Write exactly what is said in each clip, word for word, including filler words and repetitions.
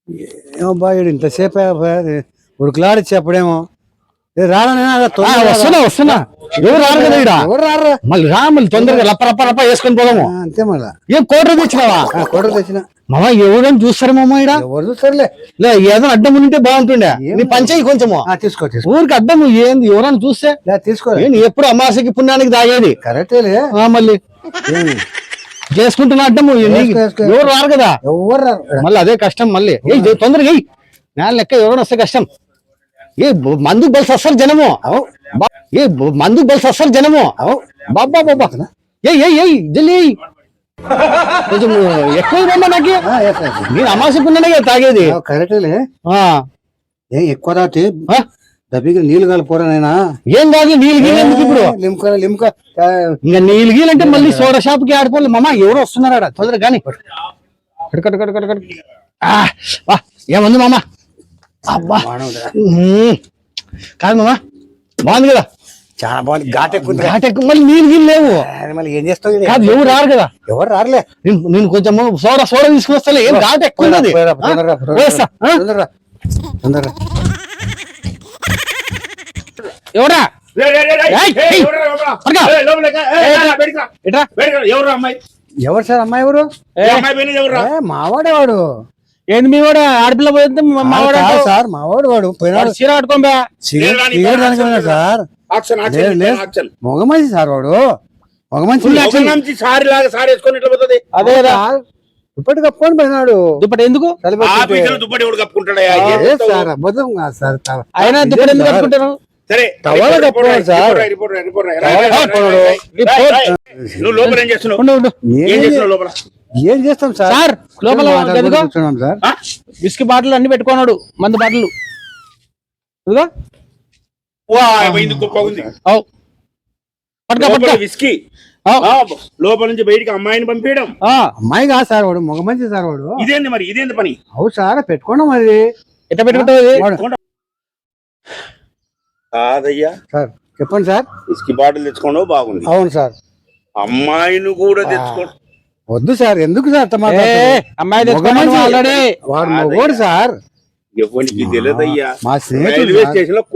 ఏమో బాగా ఇంతసేపు ఉడుకులాడి చెప్పడేమో వస్తున్నా వస్తున్నా ఎవరు రారు కదా ఇక్కడ ఎవరు రారు మళ్ళీ రా మళ్ళీ తొందరగా లప్ప లప్ప లప్ప వేసుకొని పోదాము. అంతే మళ్ళా ఏం కోటర్ తెచ్చినావా? కోటర్ తెచ్చిన మామ ఎవరైనా చూస్తారు మామ ఇక్కడ ఎవరు చూస్తారులే. లే ఏదో అడ్డం ఉంటే బాగుంటుండే. నీ పంచాయి కొంచెము తీసుకో ఊరికి అడ్డం ఏంది ఎవరైనా చూస్తే తీసుకో. ఎప్పుడు అమాసకి పుణ్యానికి తాగేది కరెక్టేలే. మళ్ళీ చేసుకుంటున్నా అడ్డము ఎవరు రారు కదా. ఎవరు రారు మళ్ళీ అదే కష్టం. మళ్ళీ ఏ తొందరగా నేల లెక్క ఎవరైనా వస్తే కష్టం. ఏ మందుకు బలిసి వస్తారు జనము. ఏ మందుకు బలిసి వస్తారు జనము. బాబా బాబా ఏ ఏ జల్లి కొంచెం ఎక్కువ రమ్మా నాకు. నేను అమాసకున్నానే కదా తాగేది. కరెక్టేలే. ఏ ఎక్కువ తాగితే దబ్బికి నీళ్ళు కలిపోరానైనా ఏం కాదు. నీళ్ళు గీలు ఎందుకు ఇప్పుడు? లిమ్క లిమ్క ఇంకా నీళ్ళు గీలంటే మళ్ళీ సోడా షాప్ కి ఆడుకోవాలి. మామ ఎవరు వస్తున్నారా తొందరగా కానీ. ఏముంది మామ? అబ్బా కాదు మామ బాగుంది కదా. చాలా బాగుంది. ఘాట్ ఎక్కువ ఘాట్ ఎక్కువ. మళ్ళీ నీళ్ళు గీళ్ళు లేవు. మళ్ళీ ఏం చేస్తావు? కాదు ఎవరు రారు కదా. ఎవరు రారులే. నేను కొంచెం సోడా సోడా తీసుకుని వస్తా. ఏం ఘాట్ ఎక్కువ ఎవరా ఎవరు సార్? అమ్మాయి ఎవరు? మావాడేవాడు. ఏంది మీ వాడు? ఆడపిల్ల పోతే మావాడు సార్. మావాడు వాడు పోయినాడు. చీర కట్టుకోండి సార్. మగ మనిషి సార్ వాడు. మగ మనిషి సారీ లాగా సారీ వేసుకొని ఇట్లా పోతుంది. అదే కదా దుప్పటి కప్పుకొని పోయినాడు. దుప్పటి ఎందుకు? దుప్పటి ఎవడు కప్పుకుంటాడు సార్? అబద్ధం కాదు సార్. ఆయన దుప్పటి ఎందుకు కప్పుకుంటారు? సరే టవల్ కప్పుకోండి సార్. నువ్వు లోపల ఏం చేస్తున్నావు? ఏం చేస్తున్నావు లోపల? ఏం చేస్తాం సార్? సార్ లోపల సార్ విస్కీ బాటిల్ అన్ని పెట్టుకున్నాడు. మందు బాటిల్ విస్కీ లోపల నుంచి బయటికి అమ్మాయిని పంపించడం. అమ్మాయి కాదు సార్ వాడు. మగ మంచి సార్ వాడు. ఇదేంది మరి? ఇదేంది పని? అవు సార్ పెట్టుకోండి. మరి ఎట్లా పెట్టుకుంటావు? కాదయ్యా సార్ చెప్పండి సార్. విస్కీ బాటిల్ తెచ్చుకోండి బాగుంది. అవును సార్. అమ్మాయిని కూడా తెచ్చుకోండి. వద్దు సార్. ఎందుకు సార్? అమ్మాయి వాడు మగోడు సార్. ఎవరికి తెలియదయ్యా. మా రైల్వే స్టేషన్ లో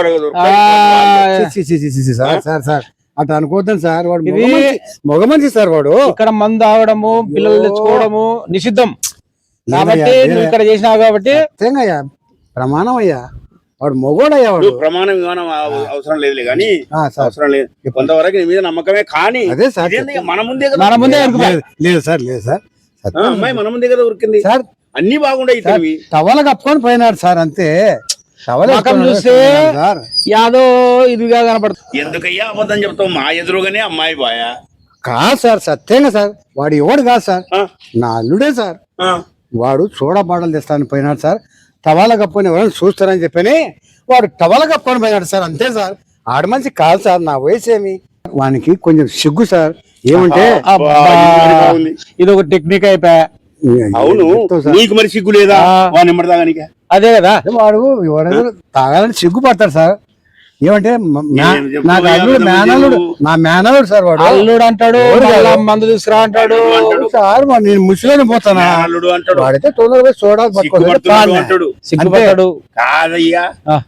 సార్ సార్ సార్ అట్లా అనుకోద్దాం సార్. వాడు మగ మనిషి సార్. వాడు ఇక్కడ మందు తాగడము పిల్లలు తెచ్చుకోవడము నిషిద్ధం కాబట్టి నువ్వు ఇక్కడ చేసినావు కాబట్టి అయ్యా ప్రమాణం అయ్యా. వాడు మొగోడయ్యా. వాడు ప్రమాణం విమానం అవసరం లేదులే కానీ అవసరం లేదు. కొంతవరకు నీ మీద నమ్మకమే కానీ అదే సార్ మన ముందే మన ముందే లేదు సార్. లేదు సార్. అమ్మాయి మన ముందే కదా ఉరికింది సార్. అన్ని బాగుండయి. టవల కప్పుకొని పోయినాడు సార్. అంతే. మకం చూస్తే యాదో ఇదిగా కనపడుతుంది. ఎందుకయ్యా అబద్ధం చెప్తావు? మా ఎదురుగానే అమ్మాయి బాయా. కాదు సార్. సత్యంగా సార్. వాడు ఎవడు కాదు సార్. నా అల్లుడే సార్. వాడు సోడా బాటలు తెస్తాను పోయినాడు సార్. టవాల కప్పుకొని ఎవరైనా చూస్తారని చెప్పని వాడు టవల కప్పుకొని పోయినాడు సార్. అంతే సార్. ఆడ మంచి కాదు సార్. నా వయసు ఏమి వానికి కొంచెం సిగ్గు సార్. ఏమంటే ఇది ఒక టెక్నిక్ అయిపోయా. అవును నీకు మరి సిగ్గు లేదా? వాడు నెమ్మది తాగానిక. అదే కదా. వాడు ఎవరైనా తాగాలని సిగ్గుపడతాడు సార్. ఏమంటే నాకు అల్లుడు మేనల్లుడు. నా మేనల్లుడు సార్. వాడు అల్లుడు అంటాడు. మందు తీసుకురా అంటాడు సార్. నేను ముసలిని పోతానా? వాడైతే తొందరగా చూడాలి అంటాడు. సిగ్గుపడతాడు కాదయ్యా.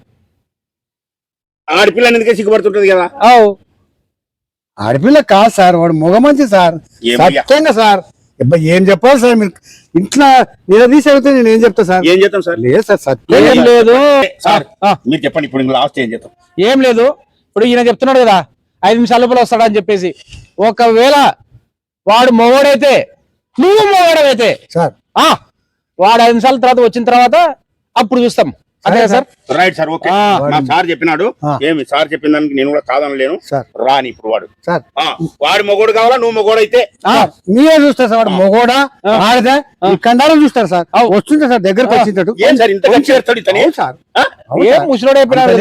ఆడపిల్ల ఎందుకే సిగ్గుపడుతుంటది కదా. ఆడపిల్ల కాదు సార్. వాడు మగ మంచి సార్. సత్యంగా సార్. ఏం చెప్పాలి సార్? మీరు ఇంట్లో నిలదీసి అడిగితే నేను ఏం చెప్తా సార్? ఏం చెప్తాం సార్? లేదు సార్. సత్యం ఏం లేదు సార్. మీరు చెప్పండి ఇప్పుడు. లాస్ట్ ఏం చెప్తాం? ఏం లేదు. ఇప్పుడు ఈయన చెప్తున్నాడు కదా ఐదు నిమిషాల లోపల వస్తాడని చెప్పేసి. ఒకవేళ వాడు మొగోడైతే నువ్వు మొగోడైతే సార్ వాడు ఐదు నిమిషాల తర్వాత వచ్చిన తర్వాత అప్పుడు చూస్తాం. అదే సార్. Right sir. ఓకే. మా సార్ చెప్పినాడు. ఏమి సార్ చెప్పిన దానికి నేను కూడా కాదనలేను. రాని ఇప్పుడు వాడు సార్. వాడు మొగోడు కావాలా? నువ్వు మొగోడు అయితే మీరే చూస్తారు సార్. వాడు మొగోడా ఆడదా కండారం చూస్తారు సార్. వస్తుంటా సార్ దగ్గరకు వచ్చింటాడు. ఏం సార్ ఇంత చేస్తాడు ఇతనే? సార్ ముసలోడు అయిపోయినాడు.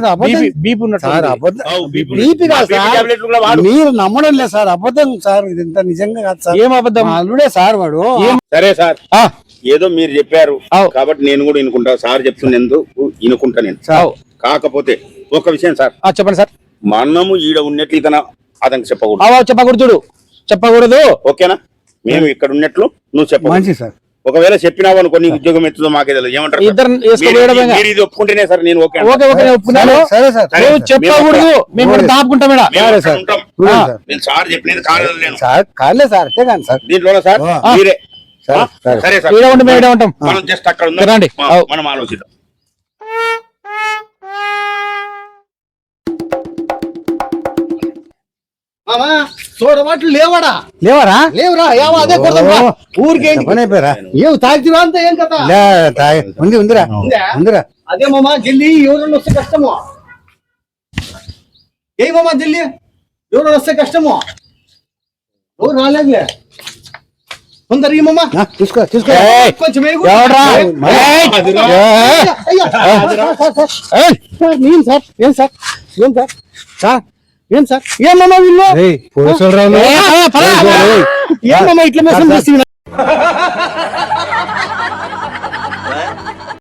మీరు నమ్మడం లేదు సార్. అబద్ధం సార్. ఇది ఇంత నిజంగా కాదు సార్. ఏం అబద్ధం? అల్లుడే సార్ వాడు. సరే సార్. ఏదో మీరు చెప్పారు కాబట్టి నేను కూడా వినుకుంటా. సార్ చెప్తున్నందుకు వినుకుంటా నేను. కాకపోతే ఒక విషయం సార్. చెప్పండి సార్. మనము ఈడ ఉన్నట్లు ఇతను అతనికి చెప్పకూడదు. చెప్పకూడదు. చెప్పకూడదు. ఓకేనా? మేము ఇక్కడ ఉన్నట్లు నువ్వు చెప్ప. మంచి సార్. ఒకవేళ చెప్పినావు అనుకో నీ ఉద్యోగం ఎత్తుందో మాకే తెలియదు ఏమంటారు సార్? ఇద్దరు మీరు- వేసుకోవడమేగా. మీరు ఇది ఒప్పుకుంటేనే సార్ నేను ఓకే అంటాను. ఓకే ఓకే నేను ఒప్పుకున్నాను. సరే సార్ సరే. నువ్వు చెప్పకూడదు, మేము కూడా దాపుకుంటాం ఈడ. మేము సరే అక్కడ సార్. ఉంటాం. చూడండి ఆ, సార్. నేను సార్ చెప్పినది కాలేదు నేను సార్ కాలే సార్ అంతే కానీ సార్ దీంట్లోనే సార్ ఆ. మీరే సరే, ఆ? సరే. సరే సార్ ఈడ ఉండి మేము ఈడ ఉంటాం. మనం జస్ట్ అక్కడ ఉందాం. రండి. ఆ, అవు. మనం ఆలోచిద్దాం. మామా చూడబాట్లు లేవాడా? లేవరా లేవురా, ఏమో అదే కొడదాంరా. ఊరికే పని అయిపోయారా ఏం తాగిరా అంతా ఏం కదా? లే, తాగి- ఉంది ఉందిరా ఉందా? ఉందిరా అదే మామా జల్లి ఎవరన్నా వస్తే కష్టము. ఏ మామా జల్లి ఎవరన్నా వస్తే కష్టము. ఎవరు రాలేదులే. తొందర ఈ మామా ఆ, తీసుకో తీసుకో ఏయ్, కొంచెం వేగు. ఎవడ్రా? ఏయ్, ఏయ్, అదిరా. ఏయ్. అయ్యా, అదిరా. ఏయ్, సార్, ఏం సార్ ఏం సార్ ఏం సార్ సార్ ఏం సార్ ఏమమ్మా వీళ్ళు ఏయ్, పోలీసులు రా నువ్వు. ఏమమ్మా ఇట్లా మోసం చేసి